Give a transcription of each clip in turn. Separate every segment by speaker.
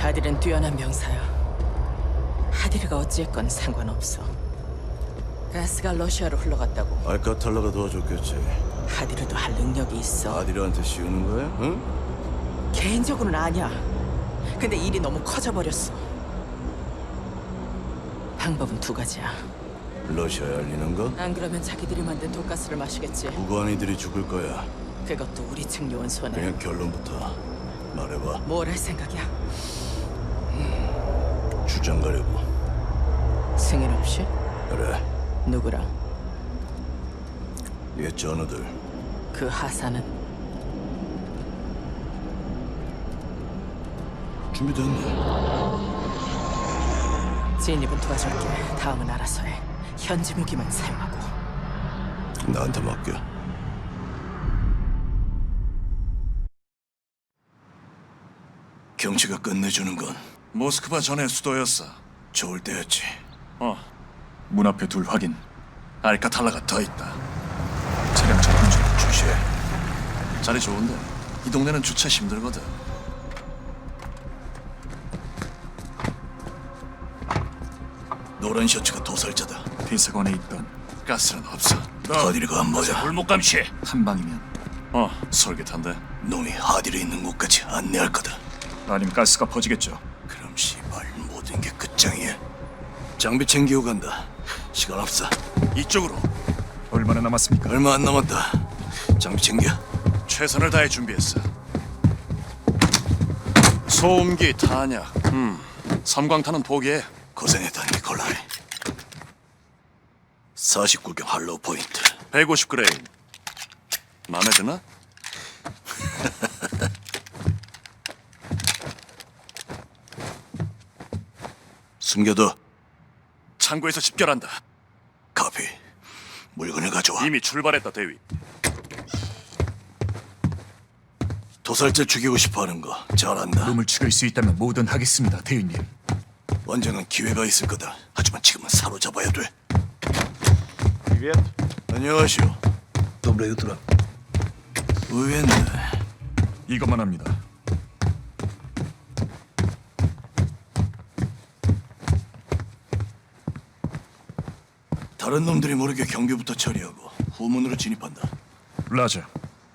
Speaker 1: 하딜은 뛰어난 병사야. 하딜이가 어찌했건 상관없어. 가스가 러시아로 흘러갔다고.
Speaker 2: 알카탈라가 도와줬겠지.
Speaker 1: 하딜이도 할 능력이 있어.
Speaker 2: 아디르한테 씌우는 거야? 응?
Speaker 1: 개인적으로는 아니야. 근데 일이 너무 커져버렸어. 방법은 두 가지야.
Speaker 2: 러시아에 알리는 거?
Speaker 1: 안 그러면 자기들이 만든 독가스를 마시겠지.
Speaker 2: 무고한이들이 죽을 거야.
Speaker 1: 그것도 우리 측 요원 손에.
Speaker 2: 그냥 결론부터 말해봐.
Speaker 1: 뭘 할 생각이야?
Speaker 2: 주장 가려고.
Speaker 1: 승인 없이?
Speaker 2: 그래.
Speaker 1: 누구랑?
Speaker 2: 옛 전우들.
Speaker 1: 그 하사는?
Speaker 2: 준비됐네.
Speaker 1: 진입은 도와줄게. 다음은 알아서 해. 현지 무기만 사용하고.
Speaker 2: 나한테 맡겨. 경치가 끝내주는 건
Speaker 3: 모스크바 전의 수도였어.
Speaker 2: 좋을 때였지.
Speaker 3: 문 앞에 둘 확인. 알카탈라가 더 있다. 차량 접근 중.
Speaker 2: 주시해.
Speaker 3: 자리 좋은데 이 동네는 주차 힘들거든.
Speaker 2: 노란 셔츠가 도살자다.
Speaker 3: 비서관에 있던 가스는 없어.
Speaker 2: 하디르가 안 맞아.
Speaker 3: 골목 감시. 한 방이면 솔깃한데.
Speaker 2: 놈이 하디르 있는 곳까지 안내할 거다.
Speaker 3: 아니면 가스가 퍼지겠죠.
Speaker 2: 그럼 시발 모든 게 끝장이야. 장비 챙기고 간다. 시간 없어.
Speaker 3: 이쪽으로. 얼마나 남았습니까?
Speaker 2: 얼마 안 남았다. 장비 챙겨.
Speaker 3: 최선을 다해 준비했어. 소음기, 탄약. 섬광탄은 포기해.
Speaker 2: 고생했다 니콜라이. 49경 할로우 포인트.
Speaker 3: 150g. 마음에 드나?
Speaker 2: 숨겨둬.
Speaker 3: 창고에서 집결한다.
Speaker 2: 카피. 물건을 가져와.
Speaker 3: 이미 출발했다, 대위.
Speaker 2: 도살자 죽이고 싶어하는 거 잘안다.
Speaker 4: 놈을 죽일 수 있다면 뭐든 하겠습니다, 대위님.
Speaker 2: 언젠간 기회가 있을 거다. 하지만 지금은 사로잡아야 돼. 안녕하시오.
Speaker 5: Доброе утро.
Speaker 2: 의외네.
Speaker 4: 이것만 합니다.
Speaker 2: 다른 놈들이 모르게 경비부터 처리하고 후문으로 진입한다.
Speaker 4: 라자.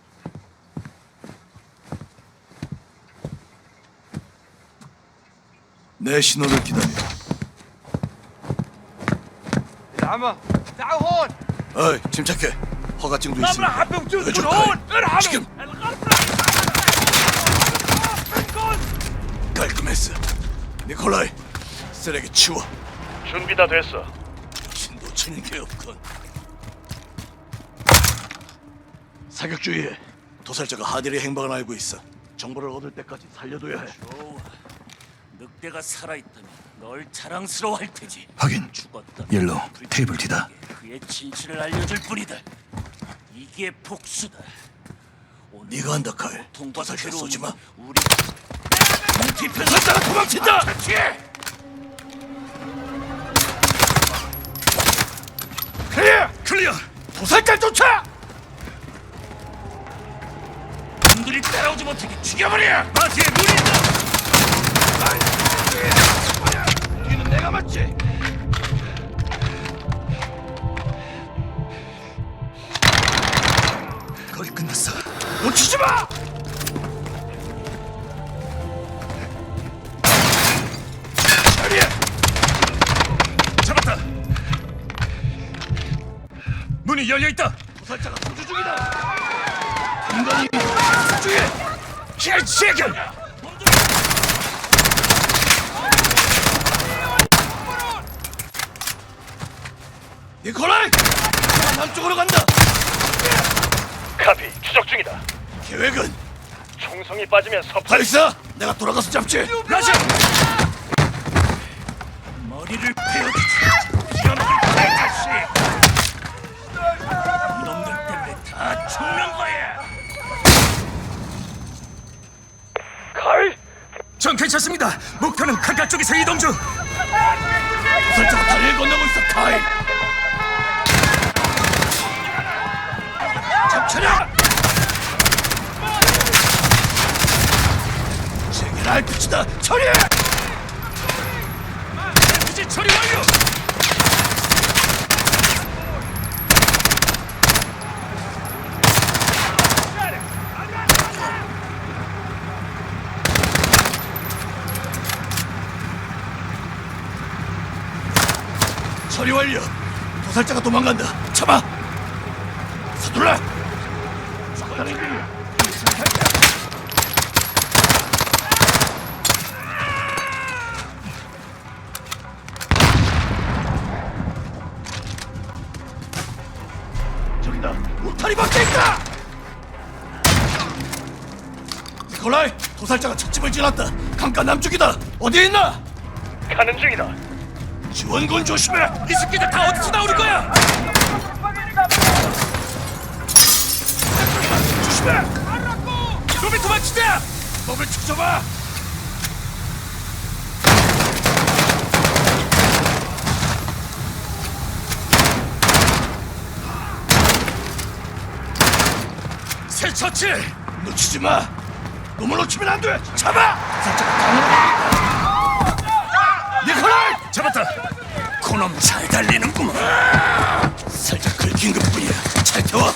Speaker 2: 내 신호를 기다려.
Speaker 6: العمى تعالوا هون
Speaker 2: 어이, 침착해. 허가증도
Speaker 6: ما
Speaker 2: 있으니까.
Speaker 6: راح بوجودكم
Speaker 2: 해줬다.
Speaker 6: هون ارحموا
Speaker 2: 지금
Speaker 6: الغرفة منكم
Speaker 2: 깔끔했어. 니콜라이, 쓰레기 치워.
Speaker 3: 준비 다 됐어.
Speaker 2: 신도 치는 게 없건. 사격 주의해. 도살자가 하디르의 행방을 알고 있어. 정보를 얻을 때까지 살려둬야 해.
Speaker 7: 좋아. 늑대가 살아있다면 널 자랑스러워할 테지.
Speaker 4: 확인.
Speaker 7: 죽었다.
Speaker 4: 옐로우, 테이블 뒤다.
Speaker 7: 그의 진실을 알려줄 뿐이다. 이게 복수다. 오늘
Speaker 2: 네가 한다, 칼.
Speaker 7: 통과
Speaker 2: 도살자 쏘지 마.
Speaker 7: 우리 뒤편살자가 도망친다. 그렇지.
Speaker 3: 클리어!
Speaker 6: 도살자 쫓아
Speaker 7: 놈들이 따라오지 못하게 죽여버려.
Speaker 3: 마티에 눈이 있다!
Speaker 6: 뒤는 내가 맞지
Speaker 4: 거의 끝났어.
Speaker 6: 놓치지 마
Speaker 3: 잡았다! 문이 열려 있다!
Speaker 6: 도살자가 도주 중이다 인간이 중에
Speaker 3: 개새끼!
Speaker 2: 니콜라이! 남쪽으로 간다.
Speaker 3: 카피, 추적 중이다.
Speaker 2: 계획은
Speaker 3: 총성이 빠지면 섭...
Speaker 2: 발사. 내가 돌아가서 잡지.
Speaker 3: 라자!
Speaker 7: 머리를 베어주지. 이놈의 개자식. 이놈들 때문에 다 죽는 거야.
Speaker 4: 전 괜찮습니다. 목표는 강가 쪽에서 이동 중.
Speaker 2: 도살자가 다리를 건너고 있어, 카이. 잡쳐라! 쟁이라! 날 붙이다 처리해!
Speaker 7: 이제 처리 완료.
Speaker 2: 처리 완료. 도살자가 도망간다. 잡아. 서둘러. 저기다. 울타리 밖에 있다. 니콜라이, 도살자가 찻집을 지났다. 강가 남쪽이다. 어디에 있나?
Speaker 7: 가는 중이다.
Speaker 2: 지원군 조심해.
Speaker 7: 이 새끼들 다 어디서 나오는 거야?
Speaker 2: 조심해.
Speaker 7: 놈이 도망치자.
Speaker 2: 놈을 추적봐.
Speaker 7: 새 처치.
Speaker 2: 놓치지 마. 놈을 놓치면 안 돼. 잡아. 도살자가 강으로 니콜라이!
Speaker 7: 잡았다. 그놈 잘 달리는구만.
Speaker 2: 살짝 긁힌 것뿐이야. 잘 태워.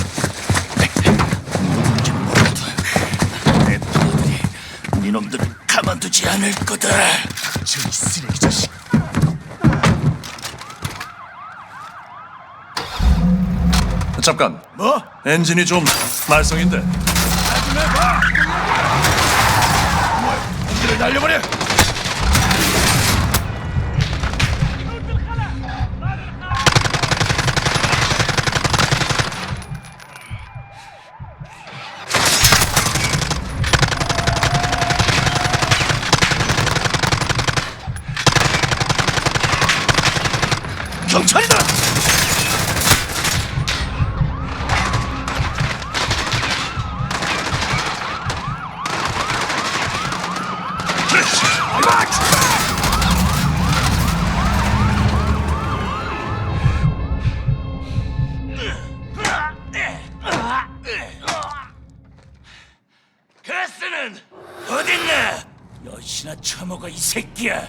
Speaker 2: 내 부하들이 니놈들을 가만두지 않을 거다.
Speaker 7: 저이 쓰레기 자식.
Speaker 3: 잠깐.
Speaker 2: 뭐?
Speaker 3: 엔진이 좀 말썽인데.
Speaker 2: 공기를 날려버려. 경찰이다.
Speaker 7: 가스는 어딨나? 여신아 처먹어 이 새끼야.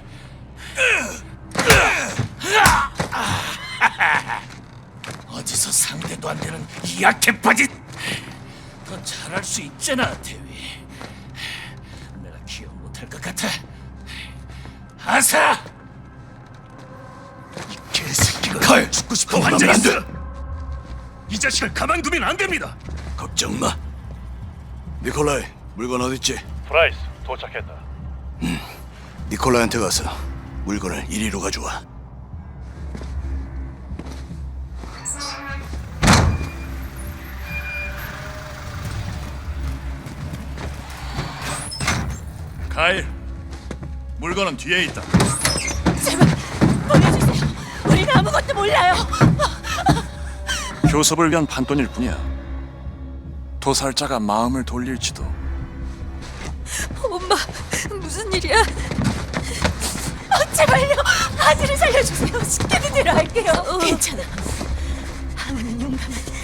Speaker 7: 어디서 상대도 안 되는 이 약해 빠진. 더 잘할 수 있잖아 대위. 내가 기억 못할 것 같아. 아사! 이 개새끼가
Speaker 2: 칼!
Speaker 7: 죽고 싶어
Speaker 2: 그만
Speaker 7: 환장
Speaker 2: 안
Speaker 7: 있어.
Speaker 2: 돼.
Speaker 7: 이 자식을 가만두면 안 됩니다.
Speaker 2: 걱정 마. 니콜라이, 물건 어딨지?
Speaker 5: 프라이스 도착했다.
Speaker 2: 니콜라이한테 가서 물건을 이리로 가져와.
Speaker 3: 가일. 물건은 뒤에 있다.
Speaker 1: 제발 보내주세요. 우리는 아무것도 몰라요.
Speaker 3: 교섭을 위한 판돈일 뿐이야. 도살자가 마음을 돌릴지도.
Speaker 1: 엄마, 무슨 일이야? 제발요, 아들을 살려주세요. 시키는 대로 할게요. 괜찮아. 하은은 용감하니까.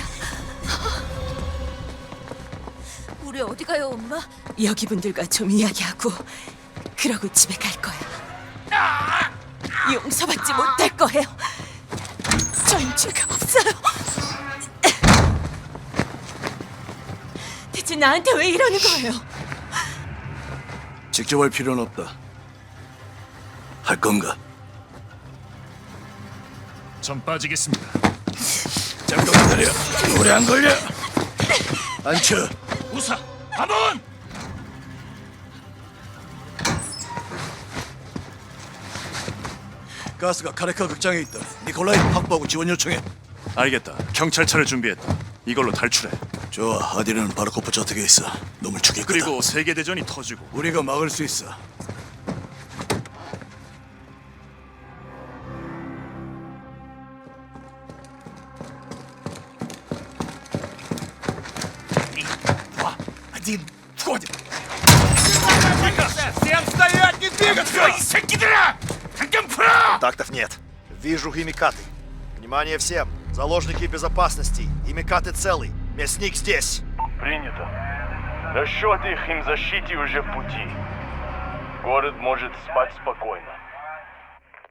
Speaker 1: 우리 어디 가요, 엄마? 여기 분들과 좀 이야기하고 그러고 집에 갈 거야. 용서받지 못할 거예요. 전 죄가 없어요. 대체 나한테 왜 이러는 거예요?
Speaker 2: 직접 할 필요는 없다. 할 건가?
Speaker 7: 전 빠지겠습니다.
Speaker 2: 잠깐 기다려. 오래 안 걸려. 앉혀.
Speaker 7: 우사, 한번.
Speaker 2: 가스가 카레카 극장에 있다. 니콜라이 확보하고 지원 요청해.
Speaker 3: 알겠다. 경찰차를 준비했다. 이걸로 탈출해.
Speaker 2: 좋아. 아디는 바르코프 저택에 있어. 놈을 죽일 거다.
Speaker 3: 그리고 세계대전이 터지고
Speaker 2: 우리가 막을 수 있어.
Speaker 7: один входит. Всем стоять, не двигаться! 이 새끼들아! 당장 풀어!
Speaker 5: Контактов нет. Вижу химикаты. Внимание всем. Заложники безопасности. Химикаты целый. Мясник здесь.
Speaker 8: Принято. Расчеты их им защите уже в пути. Город может спать спокойно.